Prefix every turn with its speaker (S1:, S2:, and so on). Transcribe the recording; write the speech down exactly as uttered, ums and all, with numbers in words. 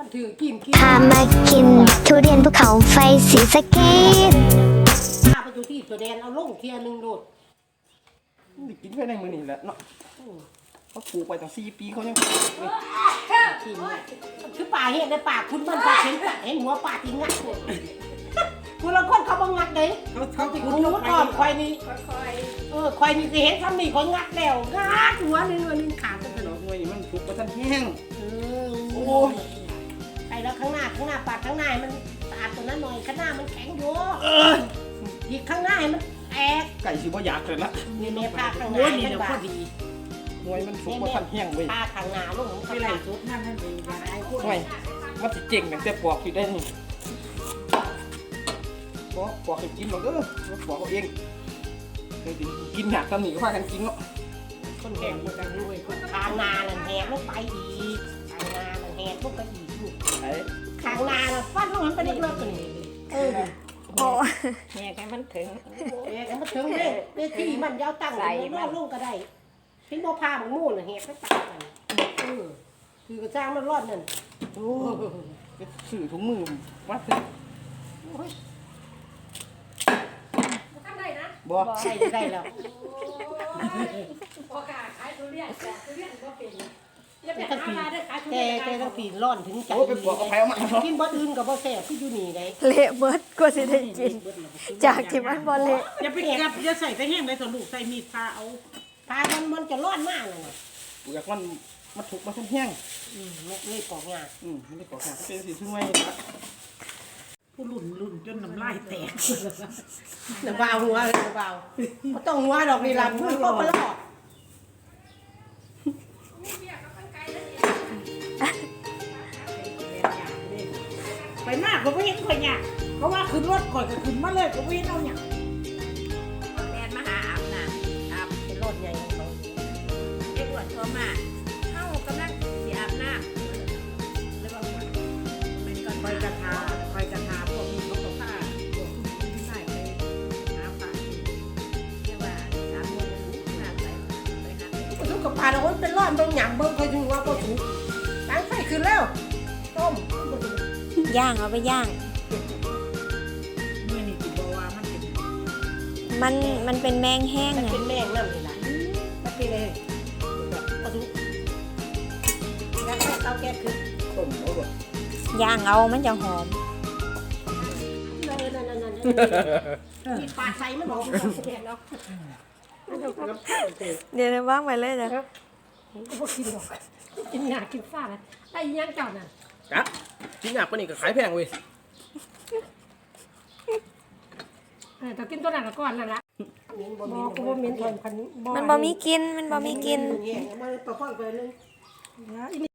S1: ถือกินกิน
S2: พามากินทุเรียนภูเขาไฟสีสะเกษ
S1: พาไปอยู่ที่ตัวแดนเอาลงเทียนึงโดด
S3: ได้กินแค่ในมือนี่แหละเนาะเขาปลูกไปตั้งสี่ปีเขายัง
S1: ทีนี้คือป่าเห็นในป่าคุณมันป่าเห็นเห็นหัวป่าที่งัดเลยคุณละคนเขาบังงัดเลย
S4: เขาเขาติด
S1: คุณ
S4: คุ
S1: รู้
S4: ก
S1: อ้อมควายนี่
S4: ค่อย
S1: เออควายนี่สิเห็นซ้ำนี่เขางัดแล้วงัดหัวนึงวันนึงขาดกันไป
S3: ด
S1: เล
S3: อย กหน่วยนี่มันถูกประทันแห้ง
S1: เออโอ้ไปแล้วข้างหน้าข้างหน้าปาดข้างหน้ามันสะอาดตัวนั้นหน่อยข้างหน้ามันแข็งอยู่อีกข้างหน้าให้มันแตก
S3: ไก่สิบ่อยากเลยละ
S1: นี่แม่พาข้างห
S4: โอ้
S1: น้าย
S4: นี่
S1: ให้
S4: เดี๋ยว
S1: บา
S4: พอ
S1: ด
S4: ดี
S3: หน่วยมันถูกประทันแห้งเว้ย
S1: พาข้างหน้าลงของ
S4: ไป
S1: ข้างห
S4: ไล่
S1: น้า
S4: สุดนั่นนั่นเองอย่าไอ้พวก
S3: หน่วยมันสิเจ๋งแต่ปอกอยู่ได้นี่ปอกปอกให้กินหรอกเด้อปอกเอาเองเคยกินหนักตำหนิก็พากันกินเนาะ
S1: คนแหกหมดแล้วด้วยข้างหน้านั่นแหกลงไปอีกข้างหน้านั่นแหกลงไปอีกลูก
S3: ไอ้
S1: ข้างหน้าน่ะฟันลงมันไปเล็กๆตัวนี้เออ
S2: โอ้
S4: แม่แค่มันถึง
S1: แหกมันถึงเด้เด้ที่มันยาวตั้งเลยมันลงก็ได้ที่บ่พาบังมู่น่ะแหกไปตัดกันเออคือกระจ้างมันรอดนั่น
S3: โอ้ไปสื่อถุงมือวัดเลย
S1: โอ้ย
S4: ทำได้นะ
S3: บ่
S1: ใส่ได้แล้ว
S4: พอกาขายทุเรียนแต่ทุเรียนก็เป็นอย่าไป
S1: แต่ทั้ง
S4: หา
S1: ปี
S4: มาได้ขายทุ
S1: แก
S4: เรียน
S1: แกทั้งปีร้อนถึงใจ
S3: โอ้ไปปอกกับไผ่เอามาเนาะ
S1: กินบ่อื่นกับบ่แซ่บคืออยู่นี่ได้
S2: เละเบิดกว่าสิได้กิน จากที่มันบ่เละ
S4: อย่าไปกับอย่าใส่ไปแห้งเลยสลูกใส่มีดพาเอา
S1: พามันมันจะร้อนมากเลยนะ
S3: เปลือกมันมันถูกประทันแห้ง
S1: อืมเลยปอกงา
S3: อืมมันได้ปอกหนักเป็นสีช่วย
S4: ผู้หลุ่นหลุ่นจนน้ำลายแตก
S1: น้ำเบาหัวเลยน้ำเบาบ่ต้องหัวดอกนี่ล่ะพูดก็บ่รอด
S4: ไปมากก็ไม่เห็นคนเนี่ยเพราะว่าขึ้นรถก่อนก็ขึ้นมาเลยก็ไม่เห็นเอาเนี่ยแมนมาหาอาบน้ำอาบ
S1: เป็นรถใหญ่ของเขา
S4: เอ็กซ์โทรมาเข้ากำลังสีอาบน้ำแล้วบอกว่ามันก็คอยกระทาคอยกระทาพวกนี้เขาก็ฆ่าพวกคุณที่ใส่ไปหาปลาเรียกว่าสามโมงหน้าไปไปหา
S1: บ่ทุกกับปลาโอ้ยเป็นร้อนเบิ่งหยังเบิ่งค่อยถึงว่าบ่ถูกตั้งไฟขึ้นแล้วต้ม
S2: ย่างเอาไปย่าง
S4: เมื่อนี่ติบอกว่ามันเป็น
S2: มันมันเป็นแมงแห้ง
S1: มัน
S2: ไง
S1: เป็นแมงน้ำนี่ล่ะมันเป็นเลยบ่ถูกแล้วให้เตาแก๊สขึ้น
S3: ต้มเอาบ่
S2: ย่างเอามันจะหอม
S1: นั่นๆๆๆมีปลาใส่มันบอกแก๊สเนาะ
S2: เดี๋ยวว่างไปเลยจ้ะ
S1: บ่กินดอกกินหน้ากินฟ้านะไอ้ยังเจ้าน่ะ
S3: จัดกินหนักปะนี่ก็ขายแพงเว้ย
S1: เออถ้ากินตัวนั้นละก่อนนั่นละบอกกูว่าเหม็นทนพัน
S2: มันบ่มีกินมันบ่มีกิน
S1: มันประคองไปนึง